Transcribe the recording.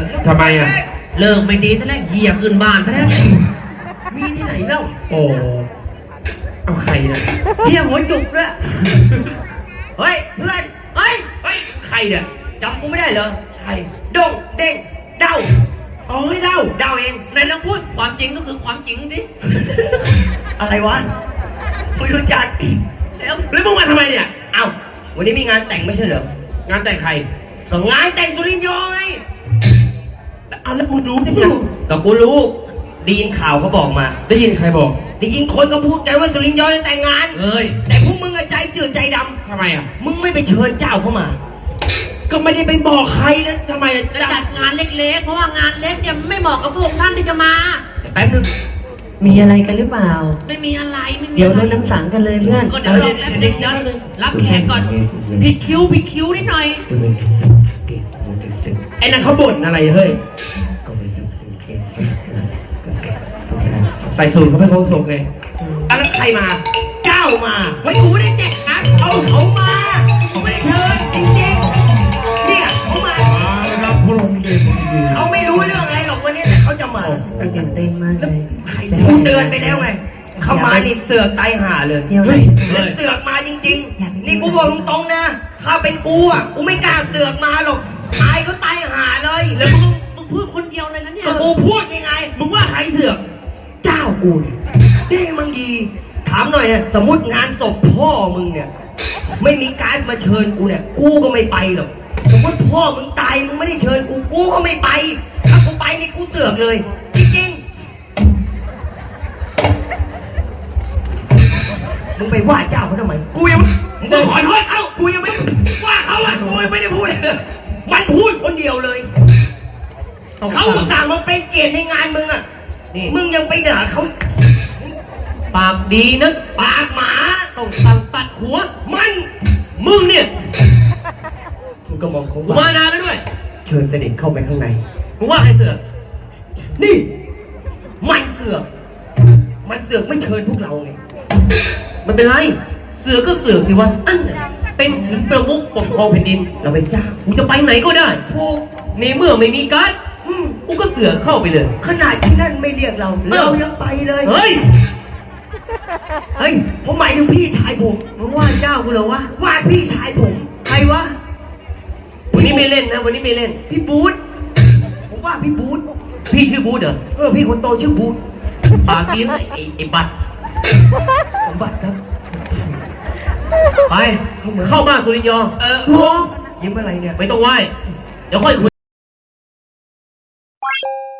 ทำไมอ่ะเลิกไม่ดีซะแล้วเหยียบขึ้นบ้านซะแล้วมีที่ไหนเล่าโอ้เอาใครนะเฮียหัวจุกด้วยเฮ้ยเพื่อนเฮ้ยใครเนี่ยจำกูไม่ได้เหรอใครดงเด้งเดาอ๋อให้เดาเองในลองพูดความจริงก็คือความจริงสิอะไรวะไม่รู้จักแล้วมึงมาทำไมเนี่ยเอ้าวันนี้มีงานแต่งไม่ใช่เหรองานแต่งใครก็งานแต่งสุรินทร์โยไงเอาแล้วมึงรู้ได้ไงก็กูรู้ได้ยินข่าวเขาบอกมาได้ยินใครบอกได้ยินคนก็พูดกันว่าสุรินทร์โยจะแต่งงานแต่พวกมึงใจจืดใจดำทำไมอ่ะมึงไม่ไปเชิญเจ้าเข้ามาก็ไม่ได้ไปบอกใครนะทำไมจะจัดงานเล็กๆเพราะว่างานเล็กเนี่ยไม่เหมาะกับพวกท่านที่จะมาแป๊บนึงมีอะไรกันหรือเปล่าไม่มีอะไรไม่มีเดี๋ยวรดน้ำสังกันเลยเพื่อนก็เดี๋ยวเด็กย้อนนึงรับแขกก่อนผิดคิ้วนิดหน่อยไอ้นั่นเขาบ่นอะไรเฮ้ยใส่สูทเขาเป็นโคศกไงแล้วใครมาเจ้ามาเฮ้ยกูไม่ได้แจกนะเอาเขามาเขาไม่ได้เชิญจริงๆเนี่ยเขามาครับพระองค์เดชเขาไม่รู้เรื่องอะไรหรอกวันนี้แต่เขาจะมาตื่นเต้นมากเลยกูเตือนไปแล้วไงเขามานี่เสือกตายห่าเลยเฮ้ยเสือกมาจริงๆนี่กูบอกตรงๆนะถ้าเป็นกูอ่ะกูไม่กล้าเสือกมาหรอกตายก็ตายห่าเลยแล้วมึงพูดคนเดียวเลยนะเนี่ยกูพูดยังไงมึงว่าใครเสือกเจ้ากูเนี่ยได้มึงดีถามหน่อยเนี่ยสมมติงานศพพ่อมึงเนี่ยไม่มีการมาเชิญกูเนี่ยกูก็ไม่ไปหรอกสมมติพ่อมึงตายมึงไม่ได้เชิญกูก็ไม่ไปถ้ากูไปนี่กูเสือกเลยจริงๆมึงไปว่าเจ้าเขาทำไมกูยังมึงขอโทษเขากูยังไม่ว่าเขาอ่ะกูยังไม่ได้พูดเลยมันพูดคนเดียวเลยเขาสั่งมาเป็นเกียรติในงานมึงอ่ะมึงยังไปด่าเขาปากดีนะปากหมาต้องสั่งตัดหัวมึงเนี่ยถูกกระหม่อมเขามานานแล้วด้วยเชิญเสด็จเข้าไปข้างในมึงว่าใครเสือกนี่มันเสือกไม่เชิญพวกเราไงมันเป็นไรเสือกก็เสือกสิวะอันเป็นถึงประมุขปกครองแผ่นดินเราเป็นเจ้ากูจะไปไหนก็ได้ถูกในเมื่อไม่มีการ์ดกูก็เสือกเข้าไปเลยขนาดที่นั่นไม่เรียกเรายังไปเลยเฮ้ยผมหมายถึงพี่ชายผมมึงว่าเจ้ากูเหรอวะว่าพี่ชายผมใครวะวันนี้ไม่เล่นนะวันนี้ไม่เล่นพี่บูธผมว่าพี่บูธพี่ชื่อบูธเหรอพี่คนโตชื่อบูธปากดีนะไอ้บัตรสมบัติครับไปเข้าบ้านสุริยอยิ้มอะไรเนี่ยไม่ต้องไหว้เดี๋ยวค่อยคุย